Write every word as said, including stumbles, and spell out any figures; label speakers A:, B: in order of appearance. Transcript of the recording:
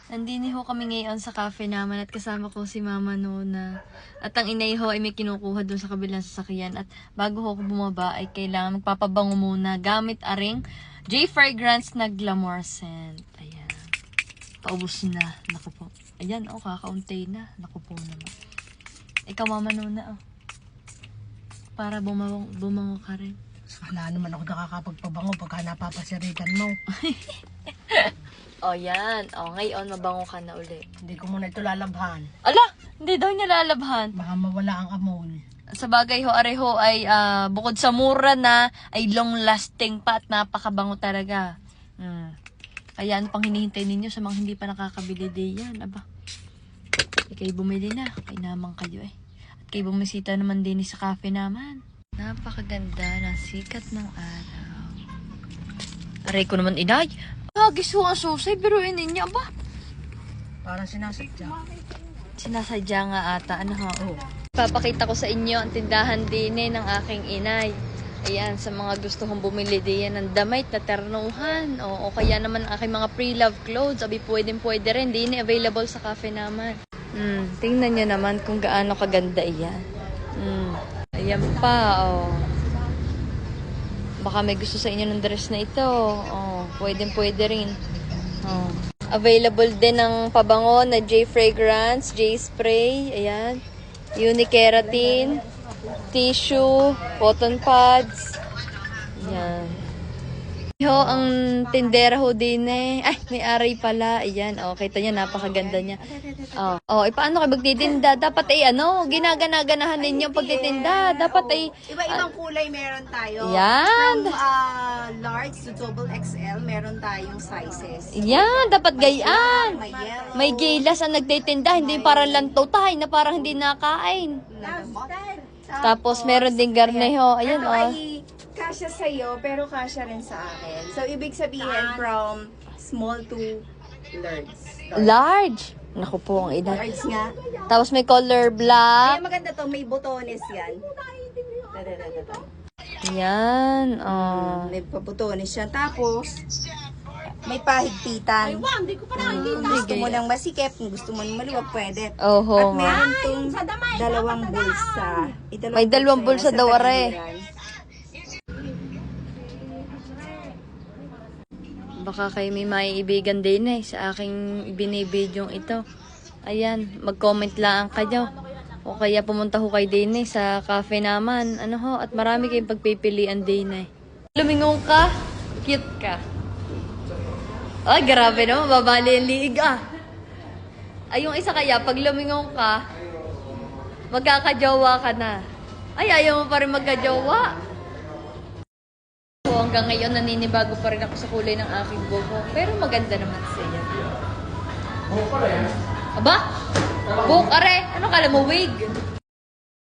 A: Nandini ho kami ngayon sa cafe naman at kasama ko si Mama Nona. At ang inay ho ay may kinukuha doon sa kabilang sasakyan. At bago ho ako bumaba ay kailangan magpapabango muna gamit aring J Fragrance na Glamour Scent. Ayan. Paubos na. Naku po. Ayan, oh, kakaunti na. Naku po naman. Ikaw, Mama Nona, oh. Para bumango, bumango ka rin.
B: Wala naman ako nakakapagpabango pagka napapasiritan mo.
A: O, oh, yan. O, oh, ngayon, mabango ka na uli.
B: Hindi ko muna ito lalabhan.
A: Ala! Hindi daw niya lalabhan.
B: Baka mawala ang amoy.
A: Sa bagay ho, areho ay uh, bukod sa mura na, ay long-lasting pa at napakabango talaga. Hmm. Kaya ano pang hinihintay ninyo sa mga hindi pa nakakabili din yan? Aba, ikay bumili na. Kay naman kayo eh. At kayo bumisita naman din sa cafe naman. Napakaganda ng sikat ng araw. Aray ko naman, inay. Hagis ho ang susay, pero inin niya ba?
B: Parang sinasadya.
A: Sinasadya nga ata. Ano ho?
B: Oo.
A: Papakita ko sa inyo ang tindahan din eh, ng aking inay. Ayan, sa mga gusto kong bumili din ng damit na ternuhan. O, o kaya naman aking mga pre-love clothes. Abi, pwedeng pwede rin. Din eh, available sa cafe naman. Hmm, tingnan nyo naman kung gaano kaganda iyan. Hmm, ayan pa, oh. Baka may gusto sa inyo ng dress na ito. Oh, pwedeng pwede rin. Oh. Available din ng pabango na J Fragrance, J Spray, ayan. Unikeratin, tissue, cotton pads. Ayan. Ho, ang tindera ho din eh. Ay, may aray pala. Ayan, oh, kita niya, napakaganda niya. Oh, oh, eh, paano kayo magtitinda? Dapat ay ano, ginagana-ganahan ninyo ang pagtitinda. Dapat ay
C: Iba-ibang kulay meron tayo.
A: Yan.
C: From uh, large to double X L, meron tayong sizes.
A: Yan, dapat gayaan.
C: May yellow.
A: May gilas ang nagtitinda, hindi parang lantaw tayo na parang hindi nakain. Tapos meron din garneho. Ayan,
C: Ano
A: oh.
C: ay kasya sa'yo, pero kasya rin sa akin. So, ibig sabihin from small to large.
A: Large. Naku po, ang ina.
C: Large nga.
A: Tapos may color
C: Kaya
A: black.
C: maganda to, may botones yan. Da-da-da-da-da.
A: Yan, oh.
C: May pabotones siya. Tapos, may pahigpitan. Kung gusto mo ng masikip, kung gusto mo ng maluwag, pwede.
A: Oho.
C: At meron tong dalawang bulsa.
A: May dalawang bulsa
C: yan
A: daw,
C: sa
A: are.
C: tagiliran.
A: Baka kayo may maiibigan din eh sa aking binibidyong ito. Ayan, mag-comment lang kayo. O kaya pumunta ho kayo din eh sa cafe naman. Ano ho, at marami kayong pagpipilian din eh. Lumingong ka, cute ka. Ay, grabe naman, babali ang liig ah. Ay, yung isa kaya, pag lumingong ka, magkakajowa ka na. Ay, ayaw mo pa rin magkajowa. So, hanggang ngayon, naninibago pa rin ako sa kulay ng aking buhok. Pero maganda naman siya. Aba? Buhok are? Ano kala mo, wig?